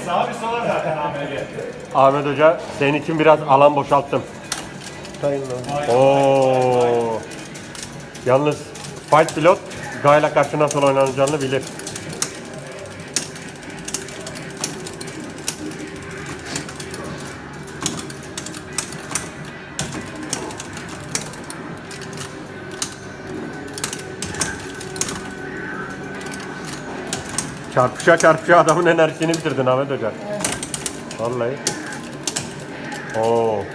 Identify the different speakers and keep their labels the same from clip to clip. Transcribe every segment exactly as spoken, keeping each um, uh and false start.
Speaker 1: Sağ bir sola zaten Ahmet'e.
Speaker 2: Ahmet Hoca senin için biraz alan boşalttım. Oo. Yalnız Fight Pilot Gayla karşı nasıl oynanacağını bilir. Çarpışa çarpışa adamın enerjisini bitirdin Ahmet Hoca. Vallahi. Oo.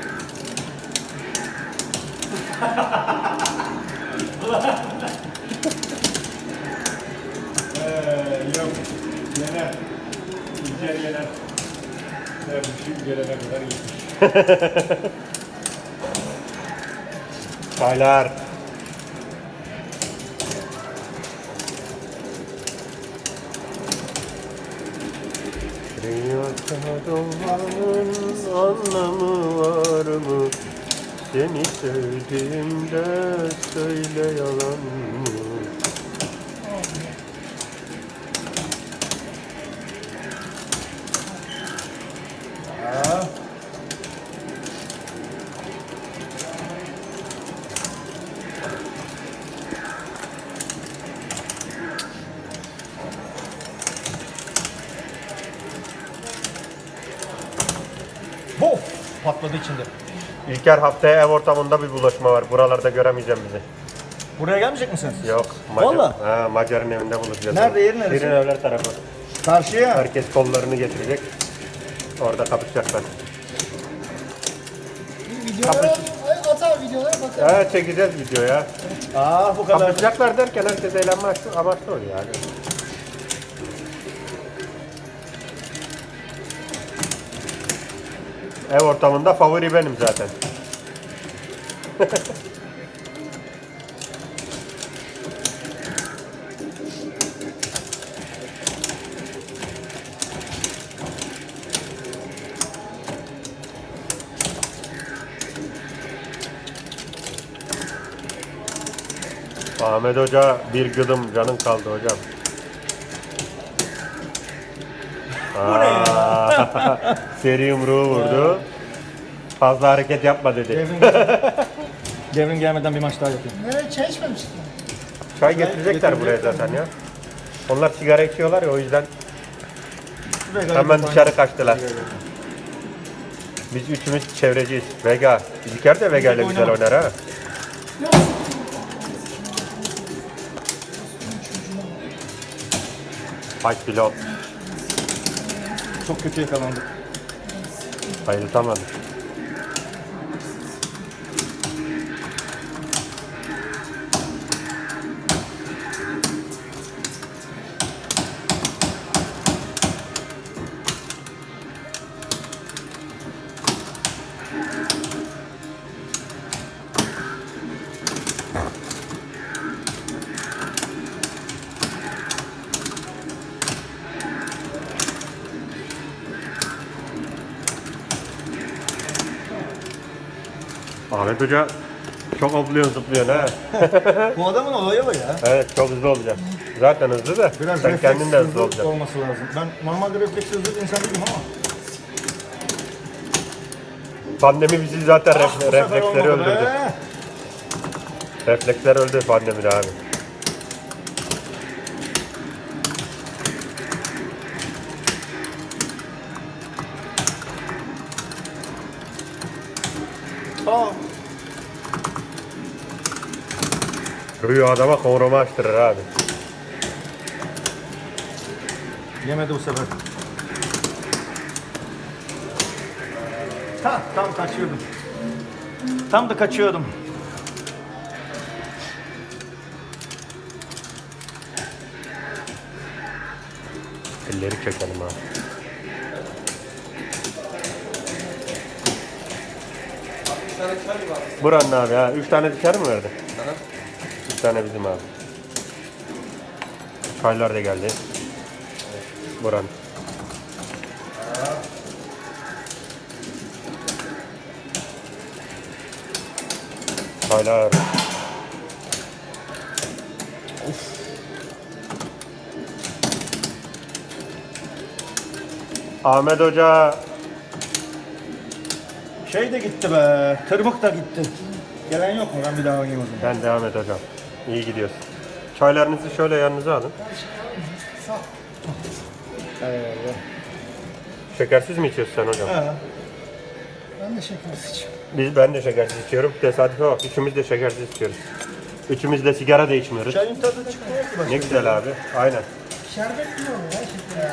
Speaker 1: Eee yok. Yener. İlker yener. Evet, şu gelene kadar iyi.
Speaker 2: Çaylar. Dünyada doğmanın anlamı var mı? Seni sevdiğimde söyle yalan mı?
Speaker 3: Bof! Patladı içinde.
Speaker 2: İlker haftaya ev ortamında bir buluşma var. Buralarda göremeyeceğim bizi.
Speaker 3: Buraya gelmeyecek misiniz?
Speaker 2: Yok. Macar,
Speaker 3: Vallahi?
Speaker 2: ha, Macar'ın evinde buluşacağız.
Speaker 3: Nerede, yeri neresi?
Speaker 2: Şirin evler tarafı.
Speaker 3: Karşıya.
Speaker 2: Herkes kollarını getirecek. Orada kapışacaklar.
Speaker 4: Videolara at abi videolara bakalım.
Speaker 2: Evet, çekeceğiz videoya.
Speaker 3: Aa bu kadar.
Speaker 2: Kapışacaklar derken herkes eğlenme amaçlı, amaçlı oluyor yani. Ev ortamında favori benim zaten. Ahmet Hoca bir gıdım canın kaldı hocam. Aa, seri yumruğu vurdu. Fazla hareket yapma dedi.
Speaker 3: Devrim, devrim gelmeden bir maç daha yapayım.
Speaker 4: Nereye çay içmemiştin?
Speaker 2: Çay getirecekler buraya zaten ya. Onlar sigara içiyorlar ya, o yüzden hemen dışarı kaçtılar. Biz üçümüz çevreciyiz. Vega. İlker de Vega ile güzel oynar ha. Fight Pilot.
Speaker 3: Çok kötü yakalandık.
Speaker 2: Bayıltamadım. Ahmet Hoca çok hopluyorsun zıplıyorsun ha.
Speaker 3: Bu adamın olayı o ya.
Speaker 2: Evet, çok hızlı olacak. Zaten hızlı da
Speaker 3: Biraz
Speaker 2: sen kendin de hızlı
Speaker 3: hızlı
Speaker 2: olacaksın.
Speaker 3: olması lazım. Ben normalde refleks hızlı bir insan değilim ama.
Speaker 2: Pandemi bizi zaten
Speaker 3: Ah,
Speaker 2: ref-
Speaker 3: bu sefer
Speaker 2: refleksleri
Speaker 3: olmadı
Speaker 2: öldürdü.
Speaker 3: be.
Speaker 2: Refleksler öldü pandemide abi.
Speaker 3: Aa.
Speaker 2: Rüya adama kovrama açtırır abi.
Speaker 3: Yemedi bu sefer. Ha, tam kaçıyordum. Tam da kaçıyordum.
Speaker 2: Elleri çekelim abi. Buranın abi ha. Üç tane dışarı mı verdi? Üç tane bizim abi. Çaylar da geldi. Buranın. Çaylar. Ahmet Hoca.
Speaker 3: Şey de gitti be. Tırmık da gitti. Gelen yok mu? Ben bir daha oynayayım o zaman.
Speaker 2: Ben devam et hocam. İyi gidiyorsun. Çaylarınızı şöyle yanınıza alın.
Speaker 4: Sağ ol.
Speaker 3: Eyvallah.
Speaker 2: Şekersiz mi içiyorsun sen hocam?
Speaker 3: Ha.
Speaker 4: Ben de şeker içiyorum.
Speaker 2: Biz, ben de şekersiz içiyorum. Tesadüfe bak. Üçümüz de şekersiz içiyoruz. Üçümüz de sigara da içmiyoruz.
Speaker 3: Çayın tadı çıkmıyor ki başka.
Speaker 2: Ne güzel abi. Aynen.
Speaker 4: Şerbet mi oluyor ya şeker?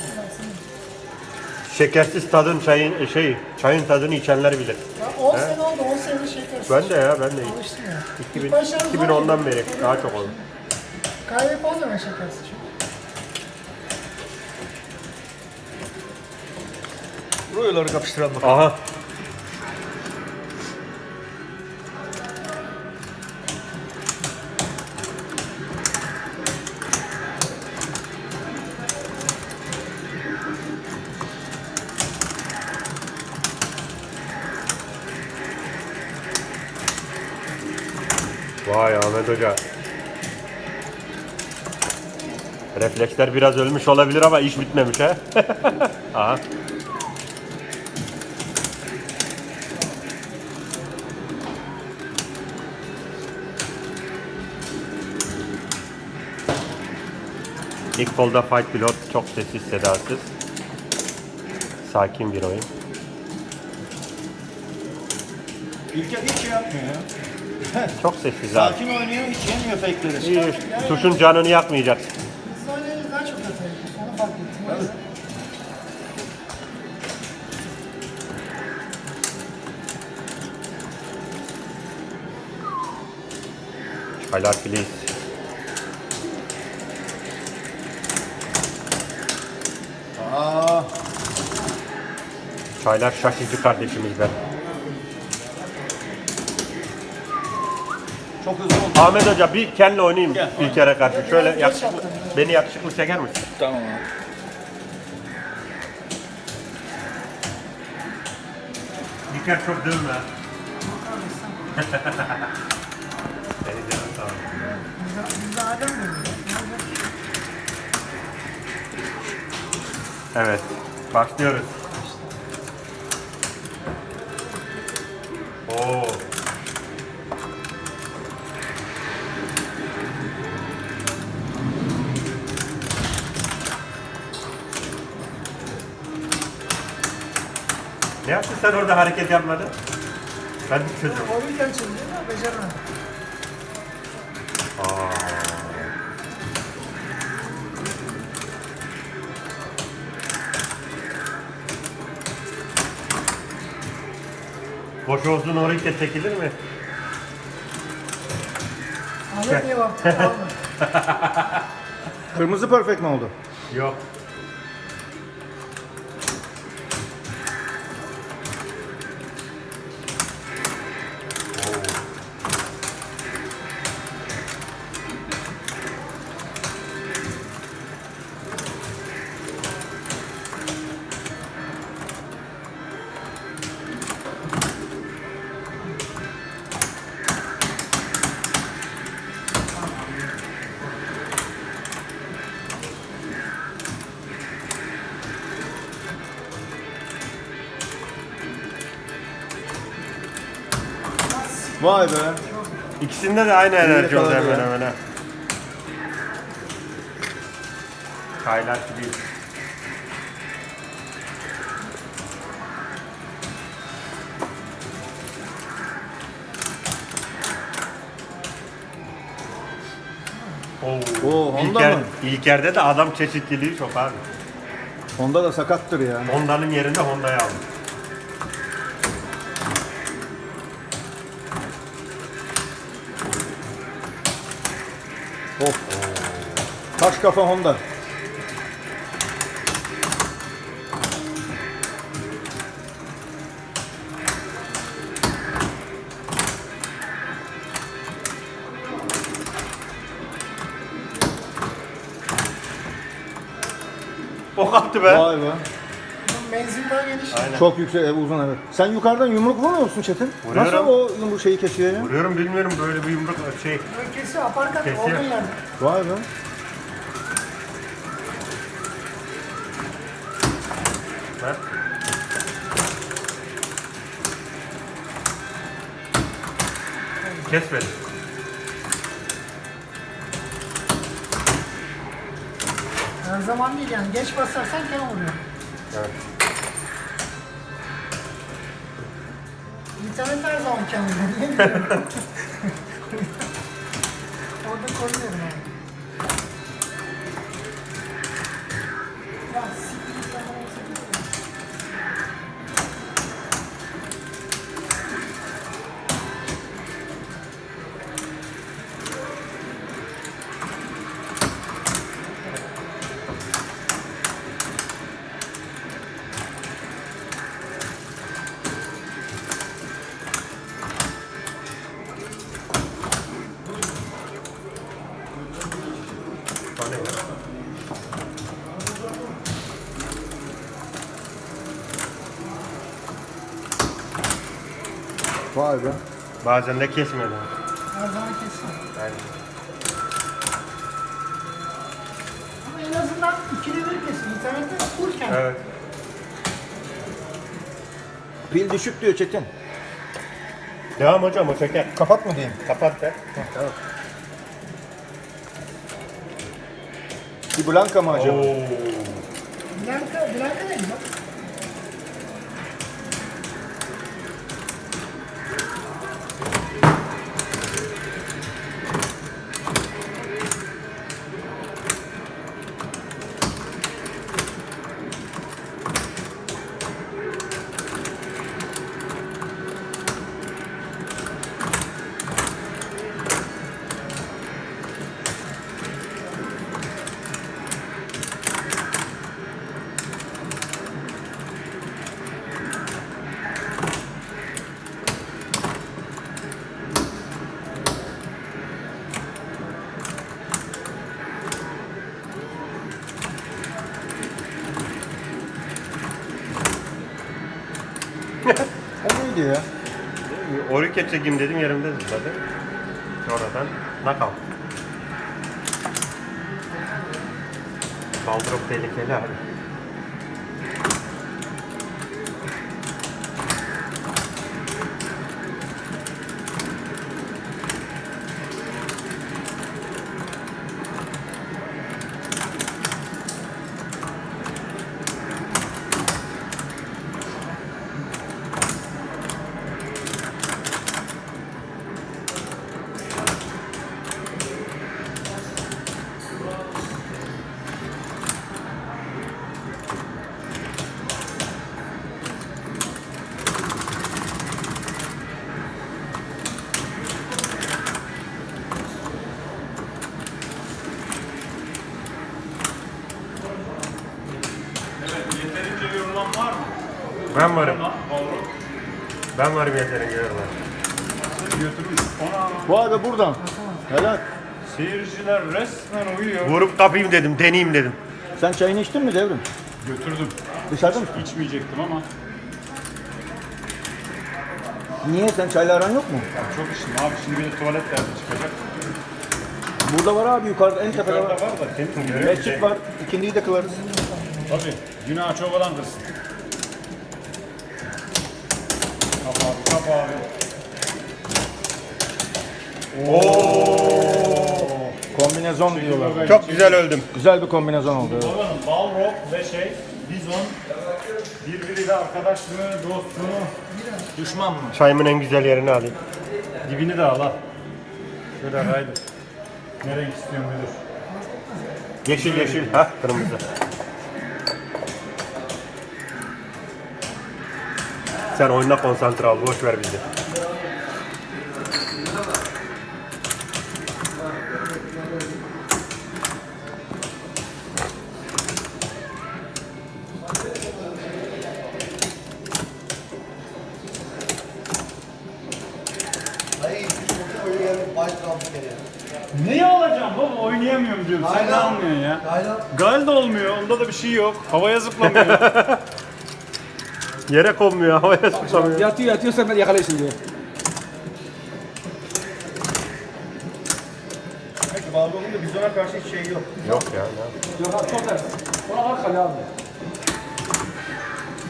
Speaker 2: Şekersiz tadın çayın şey çayın tadını içenler bilir.
Speaker 4: Ya on sene oldu, on senedir şekersiz.
Speaker 2: Ben de ya ben de
Speaker 4: Alıştım ya.
Speaker 2: iki bin,
Speaker 4: İlk başlarda
Speaker 2: iki bin ondan beri daha çok oldu.
Speaker 4: Kahve falan da ben şekersiz içiyorum.
Speaker 3: Ruyoları kapıştıralım bakalım.
Speaker 2: Aha. Vay Ahmet Hoca. Refleksler biraz ölmüş olabilir ama iş bitmemiş ha. Aha. İlk kolda Fight Pilot çok sessiz sedasız. Sakin bir oyun.
Speaker 3: İlker hiç şey yapmıyor ya.
Speaker 2: Çok sessiz abi.
Speaker 3: Sakin oynuyor, hiç yemiyor fake'leri.
Speaker 2: İyi, tuşun canını yakmayacaksın.
Speaker 4: Biz oynayınca daha çok atayım. Onu fark ettim. O yüzden.
Speaker 2: Çaylar please.
Speaker 3: Aa,
Speaker 2: Çaylar şaşıcı kardeşimiz be.
Speaker 3: çok hızlı oldu.
Speaker 2: Ahmet Hoca bir kendine oynayayım
Speaker 3: Gel.
Speaker 2: bir kere karşı. Şöyle
Speaker 4: Biraz
Speaker 2: yakışıklı,
Speaker 4: geç yaptım.
Speaker 2: beni yakışıklı çeker misin?
Speaker 3: Tamam abi.
Speaker 2: İlker çok dövme. Seni canım sağ ol.
Speaker 4: Bizde- Bizde Adem de öyle.
Speaker 2: Evet, başlıyoruz. Oo. Ne yaptın sen orada hareket yapmadın? Ben bir çözüm.
Speaker 4: Oynarken çözüyorum ama beceremedim.
Speaker 2: Aa. Boş olsun oraya çekilir mi?
Speaker 4: Ahmet niye baktı? Almadı.
Speaker 3: Kırmızı perfect mi oldu?
Speaker 2: Yok.
Speaker 3: Vay be.
Speaker 2: İkisinde de aynı enerji oldu
Speaker 3: yakaladı
Speaker 2: hemen
Speaker 3: ya.
Speaker 2: hemen. ha. Çaylar gibi. Oo,
Speaker 3: Oo, Honda
Speaker 2: İlker,
Speaker 3: mı?
Speaker 2: İlker'de de adam çeşitliliği çok abi.
Speaker 3: Honda da sakattır ya.
Speaker 2: Honda'nın yerinde Honda'yı aldım.
Speaker 3: Of. Taş kafa Honda.
Speaker 2: Ok attı be.
Speaker 3: Vay be.
Speaker 4: Bunun menzil daha geniş.
Speaker 2: Aynen.
Speaker 3: Çok yüksek, e, uzun evet. Sen yukarıdan yumruk vurmuyor musun Çetin?
Speaker 2: Vuruyorum.
Speaker 3: Nasıl o yumruk şeyi kesiyor ya?
Speaker 2: Vuruyorum bilmiyorum böyle bir yumruk şey.
Speaker 4: Böyle kesiyor, aparkat
Speaker 2: Kesiyor.
Speaker 4: olduğun yerde.
Speaker 3: Vay be.
Speaker 2: Ver. Kes beni.
Speaker 4: Her zaman değil yani. Geç basarsan ken vuruyor.
Speaker 2: Evet.
Speaker 4: İnternet her zaman ken vuruyor. Niye bilmiyorum. Orada koruyorum abi. Ya siktir sana siktir.
Speaker 2: Tane var.
Speaker 3: Vay be.
Speaker 2: Bazen de kesmiyor. da.
Speaker 4: Her zaman kesin.
Speaker 2: Yani
Speaker 4: Ama en azından ikili bir kesin. İnternette full ken.
Speaker 2: evet.
Speaker 3: Pil düşük diyor Çetin.
Speaker 2: Devam hocam o çeker.
Speaker 3: Kapat mı diyeyim?
Speaker 2: Kapat da.
Speaker 3: Bir Blanka mı acaba?
Speaker 2: Oo.
Speaker 4: Blanka, Blanka ne güzel.
Speaker 3: O neydi ya?
Speaker 2: Orike çekeyim dedim yerimde zıpladı. Sonradan knockout. Kaldırıp tehlikeli abi.
Speaker 1: Evet, yeterince yorulan var mı?
Speaker 2: Ben varım.
Speaker 1: Lan, Balrog.
Speaker 2: Ben varım yeterince yorma.
Speaker 1: Götürmüş. Ona
Speaker 3: Vay be buradan. Helal.
Speaker 1: seyirciler resmen uyuyor.
Speaker 2: Vurup kapayım dedim, deneyeyim dedim.
Speaker 3: Sen çayını içtin mi Devrim?
Speaker 1: Götürdüm.
Speaker 3: Dışarıda mı?
Speaker 1: İçmeyecektim ama
Speaker 3: Niye? Sen çayla aran yok mu?
Speaker 1: ya çok içtim abi. Şimdi bir de tuvalet derdi çıkacak.
Speaker 3: Burada var abi yukarıda en tepede
Speaker 1: Yukarıda
Speaker 3: var.
Speaker 1: var da temiz mi?
Speaker 3: Mescit var. İkindiyi de kılarız.
Speaker 1: Tabii. Günah çok olan kız. Kap abi, kap abi.
Speaker 3: Kombinezon diyorlar.
Speaker 2: Çok güzel öldüm.
Speaker 3: Güzel bir kombinezon oldu. evet.
Speaker 1: Oğlum Balrog ve şey, Bizon birbiriyle arkadaş mı, dost mu?
Speaker 3: Düşman mı?
Speaker 2: Çayımın en güzel yerini alayım.
Speaker 1: Dibini de al al. Şöyle kaydır. Ne renk istiyorsun müdür?
Speaker 2: Yeşil yeşil. Ha kırmızı. Sen oyuna konsantre ol. Boş ver bizi.
Speaker 1: Neyi alacağım baba? Oynayamıyorum diyorum. Sen ne anlıyorsun ya? Gal da olmuyor. Onda da bir şey yok. Havaya zıplamıyor.
Speaker 2: Yere konmuyor. Havaya zıplamıyor.
Speaker 5: Yatıyor yatıyor sen yakalayasın diye.
Speaker 3: Peki Balrog'un da bizona karşı hiç şey yok.
Speaker 2: Yok ya. Ne?
Speaker 5: Yok abi çok ters. Ona bak kale abi.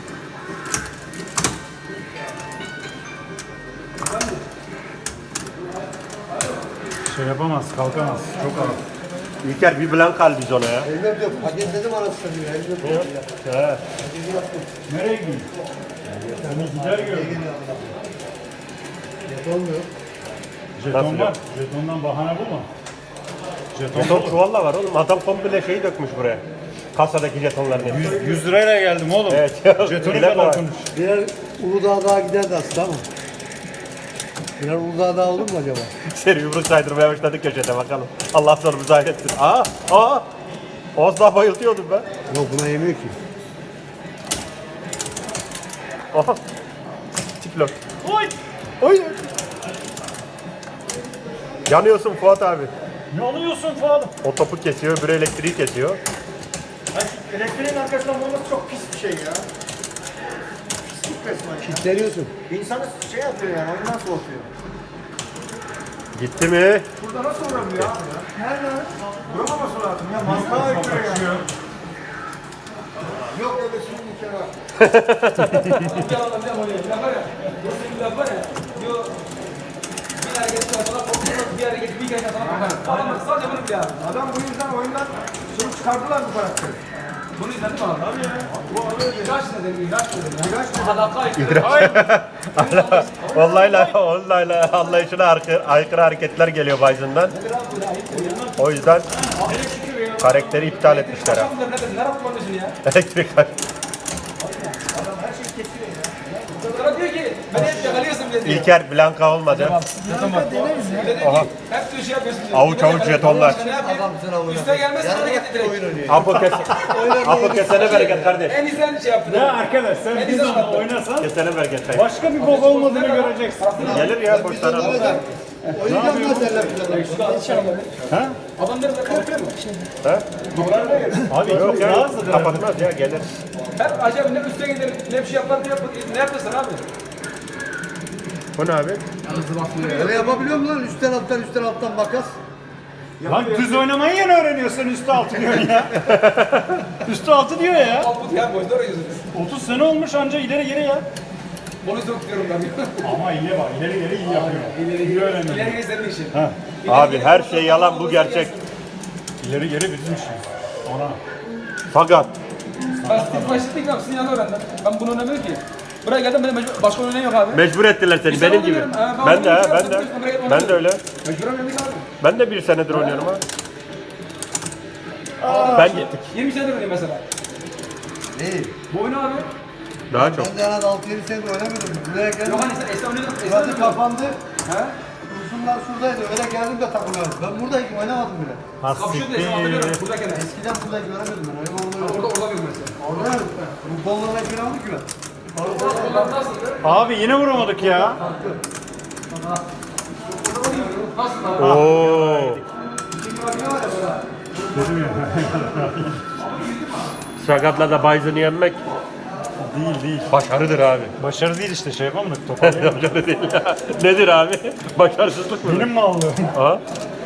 Speaker 1: şey yapamaz, kalkamaz. Çok ağır.
Speaker 2: İlker bir blank al biz ona ya.
Speaker 5: Elimde diyor, paketledim anasını diyor. Elimde diyor.
Speaker 2: He.
Speaker 1: Nereye gidiyor? Seni gider gördüm.
Speaker 5: Olmuyor.
Speaker 1: Jeton
Speaker 2: Nasıl
Speaker 1: var.
Speaker 2: ya?
Speaker 1: Jetondan bahane bu mu? Jeton
Speaker 2: Jeton
Speaker 1: dolu.
Speaker 2: çuvalla var oğlum. Adam komple şeyi dökmüş buraya. Kasadaki jetonların hepsi.
Speaker 1: yüz lirayla geldim oğlum.
Speaker 2: Evet.
Speaker 1: Jetonu
Speaker 2: Bile
Speaker 1: kadar
Speaker 2: var.
Speaker 1: konuş.
Speaker 5: Birer Uludağ daha giderdi aslında ama. Birer Uludağ daha olur mu acaba?
Speaker 2: Seri yumruk saydırmaya başladık köşede bakalım. Allah sonumuzu hayretsin. Aa! Aa! Az daha bayıltıyordum ben.
Speaker 5: Yok buna yemiyor ki.
Speaker 2: Aha! Tiplok.
Speaker 1: Oy!
Speaker 2: Oy! Yanıyorsun Fuat abi.
Speaker 1: Ne alıyorsun Fuat?
Speaker 2: O topu kesiyor, öbürü elektriği kesiyor.
Speaker 3: Ay, şu elektriğin arkasından vurması çok pis bir şey ya. Pislik resmen ya.
Speaker 5: Kitleniyorsun.
Speaker 3: İnsanı şey yapıyor yani, oyundan soğutuyor.
Speaker 2: Gitti mi?
Speaker 3: Burada nasıl vuramıyor abi ya? Nerede? Vuramaması lazım ya. Mantığa aykırı ya. Yok öyle şimdi bir kere. Adam bu yüzden oyundan şey çıkardılar bu karakteri.
Speaker 6: Bunu izledin mi abi? Tabii ya. Bu abi ilaç ne dedim, ilaç ne dedim.
Speaker 3: İlaç ne?
Speaker 6: Hadaka
Speaker 2: Vallahi la, vallahi la, anlayışına aykırı, aykırı hareketler geliyor Bison'dan. O yüzden karakteri iptal etmişler ha.
Speaker 6: Akşam da ne dedim, nerede kullanıyorsun ya?
Speaker 2: Elektrik var.
Speaker 6: Sonra diyor ki, beni hep yakalıyorsun diye diyor.
Speaker 2: İlker Blanka olmadı.
Speaker 6: Bir de diyor ki, hep diyor şey yapıyorsun diyor.
Speaker 2: Avuç avuç jetonlar.
Speaker 6: Ne yapayım? Üste gelmez sana getir direkt.
Speaker 2: Apo kes, Apo kesene bereket kardeş.
Speaker 6: En iyisi şey yaptı.
Speaker 1: Ya arkadaş sen
Speaker 6: En
Speaker 1: bir
Speaker 6: güzel
Speaker 1: zaman
Speaker 6: attı.
Speaker 1: oynasan
Speaker 2: Kesene bereket kayıp.
Speaker 1: başka bir bok olmadığını göreceksin.
Speaker 2: Gelir ya boştan al.
Speaker 5: Oynayacağım ben seninle.
Speaker 1: Ha?
Speaker 6: Adamları da korkuyor mu?
Speaker 1: Abi
Speaker 2: Yok
Speaker 1: çok
Speaker 2: ya,
Speaker 1: rahatsız.
Speaker 2: kapatmaz ya gelir.
Speaker 6: Her acaba ne üste gider, ne bir şey yapar, ne yapar, ne yapıyorsun abi?
Speaker 2: Bu ne abi?
Speaker 5: Öyle yapabiliyor musun lan? Üstten alttan üstten alttan makas.
Speaker 1: Lan düz oynamayı yeni öğreniyorsun üstü altı diyorsun ya. Üstü altı diyor ya.
Speaker 6: Al bu ya boyunda oraya
Speaker 1: otuz sene olmuş anca ileri geri ya.
Speaker 6: Onu sokuyorum ben.
Speaker 1: Ama iyi bak ileri geri iyi yapıyor. İleri geri öğreniyor.
Speaker 6: İleri geri senin işin.
Speaker 1: Ha.
Speaker 2: Abi her şey yalan bu gerçek.
Speaker 1: İleri geri bizim işimiz. Ona.
Speaker 2: Fakat
Speaker 6: Ben Steve Başlık'ta yapsın yanı öğrendim. Ben bunu oynamıyorum ki. Buraya geldim benim mecbur, başka oynayan yok abi.
Speaker 2: mecbur ettiler seni
Speaker 6: Biz
Speaker 2: benim
Speaker 6: sana
Speaker 2: gibi.
Speaker 6: oynuyorum. Ha, ben
Speaker 2: Ben de ha,
Speaker 6: oynuyorum.
Speaker 2: ben de.
Speaker 6: Sen biliyorsun,
Speaker 2: Ben de öyle.
Speaker 6: Mecbur oynadık abi.
Speaker 2: Ben de bir senedir oynuyorum ha. Ben gittik.
Speaker 6: yirmi senedir oynuyorum mesela.
Speaker 5: İyi.
Speaker 6: Bu oyunu abi.
Speaker 2: Daha çok.
Speaker 5: Ben de herhalde altı yedi senedir oynamıyordum. Buraya geldim.
Speaker 6: Yok hani sen eskiden oynuyordun. Eskiden
Speaker 5: Burası
Speaker 6: oynuyordun.
Speaker 5: kapandı.
Speaker 6: He?
Speaker 5: Uzunlar şuradaydı. Öyle geldim de takılıyorum. Ben buradayım oynamadım bile.
Speaker 6: Kapışıyordun eskiden hatırlıyorum. Buradayken.
Speaker 5: Eskiden burada göremiyordum ben. Öyle olmuyor.
Speaker 6: Orada orada bir mesela.
Speaker 5: Orada mı? Bu kollara göramadık ki ben.
Speaker 6: Onlar nasıldı?
Speaker 1: Abi yine vuramadık ya.
Speaker 6: Nasıl abi?
Speaker 2: Oo. Sakatla da Bison'ı yenmek
Speaker 1: Değil değil.
Speaker 2: başarıdır abi.
Speaker 1: Başarı değil işte şey yapamadık toparlayamadık.
Speaker 2: Başarı değil. Nedir abi? Başarısızlık mı?
Speaker 1: Benim mi aldığım?
Speaker 2: Aha.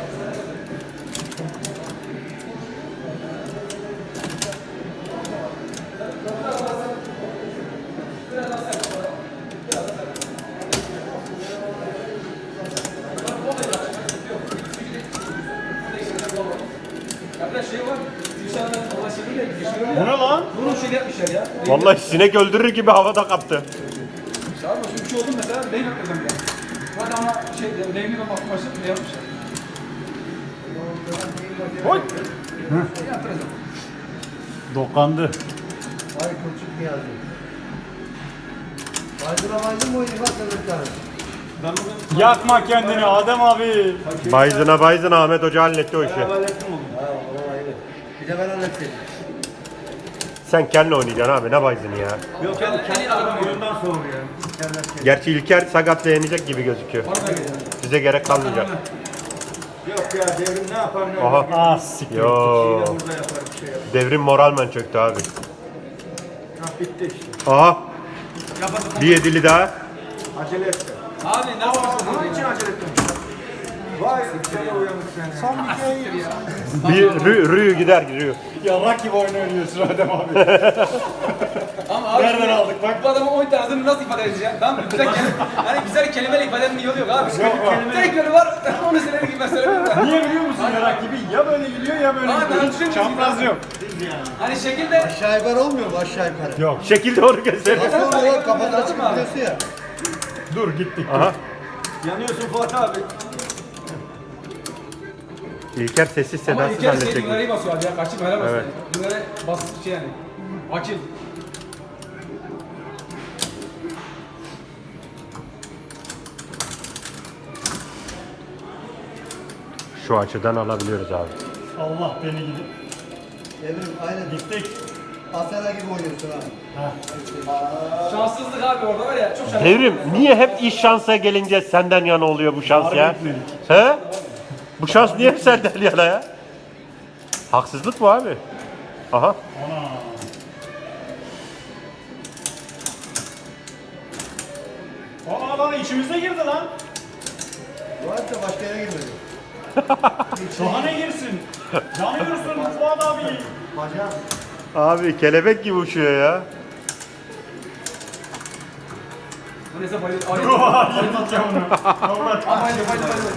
Speaker 6: Arkadaş şey var. Gülşah'ın dolaşımıyla geçiyor
Speaker 1: Bu
Speaker 6: ya.
Speaker 1: ne lan?
Speaker 6: Bunun şey yapmışlar ya.
Speaker 2: Vallahi sinek öldürür gibi havada kaptı.
Speaker 6: Sağ ol. Şimdi bir şey oldu mesela. Neyim yapıyordum ben. Hadi ama şey, neyimli ben bakım başladım. Ne yapmışlar?
Speaker 1: Oy.
Speaker 6: Ne yaptınız?
Speaker 1: Dokandı.
Speaker 5: Ay koçuk Niyazi. Baydıra baydın mı oynayayım? Bak sen bir tane.
Speaker 1: Yakma kendini Adem abi.
Speaker 2: Bison'a Bison Ahmet Hoca halletti o işi.
Speaker 5: Ha o ayrı. Bir de ben halledeyim.
Speaker 2: Sen kendin oynayacaksın abi ne Bison'ı ya.
Speaker 3: Yok ya kendi oyundan soğuyor.
Speaker 2: Gerçi İlker sakatla yenecek gibi gözüküyor. Bize gerek kalmayacak.
Speaker 3: Yok ya devrim ne yapar ne
Speaker 2: Aha.
Speaker 3: olur.
Speaker 1: Ah siktir.
Speaker 2: Yo.
Speaker 3: Yine burada yapar bir şey yapar.
Speaker 2: Devrim moralmen çöktü abi.
Speaker 3: Ha bitti işte.
Speaker 2: Aha. Bir yedili daha.
Speaker 3: Acele etti.
Speaker 6: Abi ne yapıyorsun?
Speaker 3: Onun için acele ettim. Vay sana uyanık sen.
Speaker 4: Son bir kere
Speaker 2: Bir rü, rü gider Rü.
Speaker 1: Yarrak gibi oyun oynuyorsun Adem abi.
Speaker 6: Ama abi
Speaker 1: Nereden
Speaker 6: şimdi
Speaker 1: aldık bak?
Speaker 6: Bu adamın on tanesini nasıl ifade edeceğim? Ben güzel kelime, hani güzel kelimeyle ifade etmenin yolu yok abi. Tek yolu var, onu söyler gibi ben söylemiyorum.
Speaker 1: Niye biliyor musun yarak gibi? Ya böyle gidiyor ya böyle
Speaker 6: Aa, ben
Speaker 1: gidiyor.
Speaker 6: düşünmüyorum
Speaker 1: Çapraz
Speaker 6: ya.
Speaker 1: yok.
Speaker 6: Hani şekilde...
Speaker 5: Aşağı yukarı olmuyor mu aşağı yukarı?
Speaker 1: Yok.
Speaker 2: Şekil doğru göster.
Speaker 5: Nasıl oluyor? Kafadan
Speaker 6: Lazım
Speaker 5: açıp
Speaker 6: abi.
Speaker 5: gidiyorsun ya.
Speaker 1: Dur gittik.
Speaker 2: Aha.
Speaker 3: Yanıyorsun Fuat abi.
Speaker 2: İlker sessiz
Speaker 6: Ama
Speaker 2: sedasız
Speaker 6: ilk kere şey
Speaker 2: halledecek.
Speaker 6: bunları iyi basıyor abi ya, kaçayım helal olsun.
Speaker 2: Evet.
Speaker 6: Bunları basit şey yani. Akil.
Speaker 2: Şu açıdan alabiliyoruz abi.
Speaker 1: Allah beni gidip.
Speaker 5: Evrim aynen.
Speaker 1: Gittik.
Speaker 5: Asena gibi oynuyorsun ha.
Speaker 6: Şanssızlık abi orada var ya, çok şanssız.
Speaker 2: Devrim niye hep iş şansa gelince senden yana oluyor bu şans ya?
Speaker 1: Harbi etmedik.
Speaker 2: He? Bu şans niye hep senden yana ya? Haksızlık bu abi. Aha.
Speaker 1: Ana. Aa lan içimize girdi lan.
Speaker 5: Bu arada başka yere girmedi.
Speaker 1: Daha ne girsin? Yanıyorsun Fuat abi.
Speaker 5: Bacağım.
Speaker 2: Abi kelebek gibi uçuyor ya.
Speaker 6: Bu neyse bayılır. Ay,
Speaker 1: Oha yedik ya onu. Allah
Speaker 6: Ay, bayılır, bayılır, bayılır.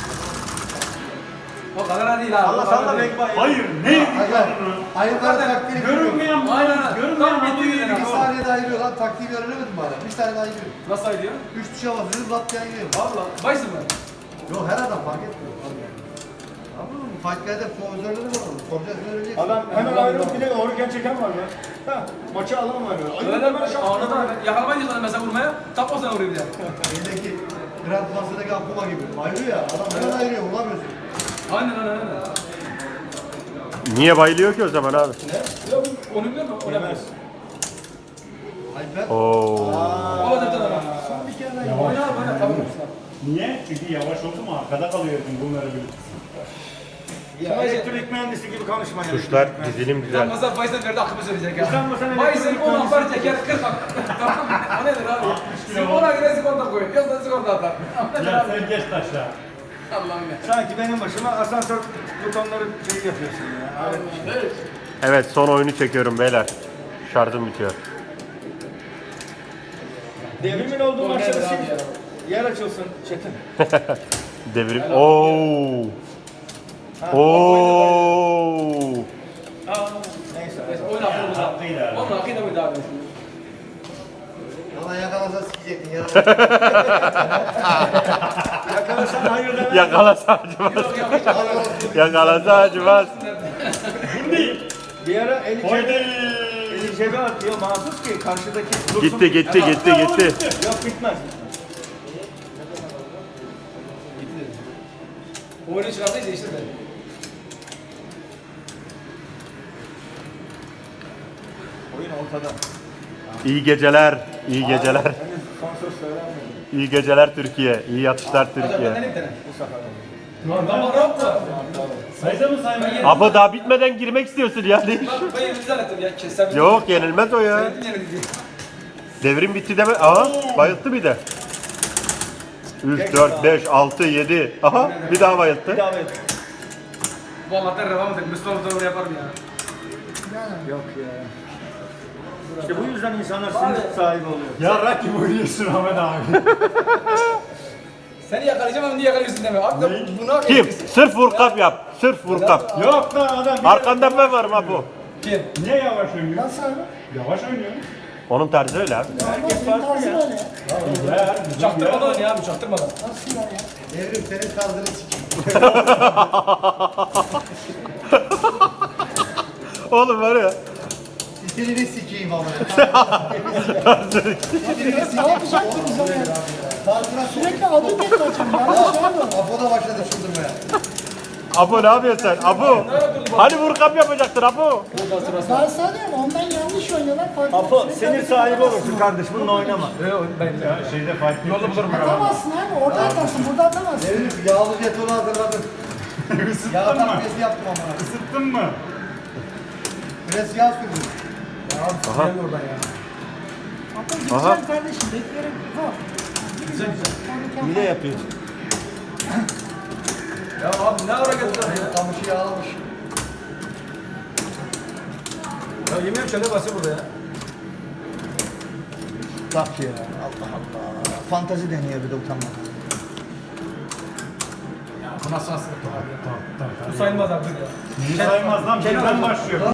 Speaker 6: O kadar değil abi.
Speaker 3: Allah
Speaker 6: o
Speaker 3: sana
Speaker 6: kadar
Speaker 3: da
Speaker 6: değil.
Speaker 3: bekle.
Speaker 1: Hayır ne yedik
Speaker 5: Hayır.
Speaker 1: lan onu?
Speaker 5: Ayıklar taktiğini görüyorum.
Speaker 1: Görünmeyen
Speaker 6: Aynen.
Speaker 1: Görünmeyen
Speaker 6: Tam
Speaker 1: hamuru
Speaker 6: bitti
Speaker 1: yedik.
Speaker 5: Bir saniyede ayırıyor lan. Taktiği öğrenemedim bana. Bir saniyede ayırıyor.
Speaker 6: Nasıl ayılıyor?
Speaker 5: Üç tuşa basıyoruz. Lat diye ayırıyor.
Speaker 6: Valla. Baysın mı?
Speaker 5: Yok her adam fark etmiyor. Anladın mı? Fight'lerde pozörleri var onun. Soracağız öğreneceksin.
Speaker 3: Adam hemen ayrılıp bir de doğruken çeken var be. Ha, maçı alan var böyle.
Speaker 6: Öyle
Speaker 3: Ayırıp
Speaker 6: mi?
Speaker 3: hemen şak.
Speaker 6: Anladım abi. Yakalamayınca sana mesela vurmaya, tapmasına vuruyor bir de.
Speaker 5: Şeydeki Grand Master'daki Akuma gibi. Ayırıyor ya. Adam hemen ayırıyor. Bulamıyorsun.
Speaker 6: Aynen aynen aynen.
Speaker 2: Niye bayılıyor ki o zaman abi?
Speaker 6: Yok, onu biliyor musun? O yemez.
Speaker 5: Alper.
Speaker 2: Oo.
Speaker 6: O da bir tane.
Speaker 5: Bir kere daha
Speaker 6: Oyna abi oyna. Tamam.
Speaker 1: Niye? Çünkü yavaş oldu mu arkada kalıyorsun bunları bir.
Speaker 3: Ya elektrik mühendisi gibi konuşma ya.
Speaker 2: Tuşlar dizilim güzel.
Speaker 6: Mesela Baysen nerede aklımı söyleyecek ya.
Speaker 3: Sen bu sene
Speaker 6: Baysen
Speaker 3: elektrik
Speaker 6: on
Speaker 3: mühendisi-
Speaker 6: ampar çeker kırk ampar. Tamam mı? O nedir abi? Sigorta girer sigorta koyuyor. Yoksa sigorta atar.
Speaker 1: Ya sen geç taşla.
Speaker 6: Allah'ım ya.
Speaker 3: Sanki benim başıma asansör butonları şey yapıyorsun ya. Abi.
Speaker 2: Evet son oyunu çekiyorum beyler. Şarjım bitiyor.
Speaker 3: Devrimin olduğu
Speaker 6: O
Speaker 3: maçta
Speaker 6: nedir
Speaker 3: da
Speaker 6: abi ya?
Speaker 3: şimdi yer açılsın Çetin.
Speaker 2: Devrim. Oo. Oo.
Speaker 3: Neyse.
Speaker 6: Neyse oyna abi. Oyna
Speaker 1: Haklıydı abi.
Speaker 6: Onun hakkıyla mıydı abi?
Speaker 5: Bana yakalasa sikecektin. Ya.
Speaker 3: Yakalasan hayır demem.
Speaker 2: Yakalasa acımaz.
Speaker 6: Yok yok hiç.
Speaker 2: Yakalasa acımaz.
Speaker 3: Bir ara eli
Speaker 1: Haydi.
Speaker 3: cebe, eli cebe atıyor mahsus ki karşıdaki dursun.
Speaker 2: Gitti gitti gitti gitti.
Speaker 3: Yok bitmez.
Speaker 6: Oyunu çıkartıysa değiştirme.
Speaker 3: Oyun ortada.
Speaker 2: İyi geceler. İyi geceler.
Speaker 3: Henüz son söz söylenmedi.
Speaker 2: İyi geceler Türkiye. İyi yatışlar
Speaker 6: Hadi benden
Speaker 2: Türkiye.
Speaker 6: bir tane.
Speaker 3: Bu sefer oldu.
Speaker 6: Tamam ne yaptı?
Speaker 1: Sayıda mı saymayın?
Speaker 2: Abi daha bitmeden girmek istiyorsun ya.
Speaker 6: Ben ben yeni zannettim ya. Kesem.
Speaker 2: Yok yenilmez o ya.
Speaker 6: Söyledin yeni diye.
Speaker 2: Devrim bitti deme. Aha bayılttı bir de. üç, dört, beş, altı, yedi. Aha bir daha bayılttı.
Speaker 3: Devam et.
Speaker 6: Bu Allah'tan revam edelim. Mustafa doğru yaparım ya.
Speaker 3: Yok ya. İşte bu yüzden insanlar sinir sahibi oluyor.
Speaker 1: Yarrak gibi oynuyorsun Ahmet abi.
Speaker 6: Seni yakalayacağım ama niye yakalıyorsun deme. Abi de bunu hak
Speaker 2: Kim?
Speaker 6: etmişsin.
Speaker 2: Sırf vur kap yap. Sırf vur kap.
Speaker 1: Yok lan adam. bir-
Speaker 2: Arkanda ben varım ha bu.
Speaker 6: Kim?
Speaker 1: Niye yavaş oynuyor?
Speaker 4: Nasıl abi?
Speaker 1: Yavaş oynuyor.
Speaker 2: Onun tarzı öyle abi.
Speaker 3: Herkes
Speaker 4: Benim
Speaker 3: farklı
Speaker 4: tarzım
Speaker 3: ya.
Speaker 4: öyle.
Speaker 1: Ya, bizim
Speaker 6: Çaktırmadan ya abi çaktırmadan.
Speaker 4: Nasıl ya?
Speaker 5: Devrim senin tarzını sikeyim.
Speaker 2: Oğlum var ya.
Speaker 5: Stilini sikeyim ama.
Speaker 4: Ne yapacaktı güzel yani?
Speaker 5: Tarzına sok.
Speaker 4: Sürekli adım getireceğim. Yanlış şey mi?
Speaker 5: Apo da başladı çıldırmaya.
Speaker 2: Apo ne yapıyorsun sen? Apo. Hani vur kap yapacaktın Apo.
Speaker 4: Ben sana diyorum ondan yanlış oynuyorlar. Farklı.
Speaker 3: Apo
Speaker 4: Sürekli
Speaker 3: sinir
Speaker 4: adım
Speaker 3: sahibi
Speaker 4: getiremezsin.
Speaker 3: olursun kardeş bununla oynama.
Speaker 6: Yok ben
Speaker 1: Ya şeyde fark
Speaker 6: Yolda bulurum ben.
Speaker 4: Atamazsın abi. Orada atarsın. Burada atamazsın.
Speaker 5: Devrim yağlı jetonu hazırladım. Yağ
Speaker 1: Isıttın mı?
Speaker 5: takviyesi yaptım ama.
Speaker 1: Isıttın mı?
Speaker 5: Biraz yağ sürdüm.
Speaker 2: Aha.
Speaker 4: Apo
Speaker 2: Aha.
Speaker 4: güzel kardeşim. Beklerim. Zor. Güzel güzel.
Speaker 3: Hile yapıyorsun.
Speaker 6: Ya abi ne ara geldi ya?
Speaker 3: Kamışı yağlamış.
Speaker 6: Ya yemeğim şöyle basıyor burada ya.
Speaker 3: Bak ya. Allah Allah. Fantazi deniyor bir de utanmadan.
Speaker 6: Bu sayılmaz artık ya.
Speaker 1: Niye saymaz lan? Birden başlıyor.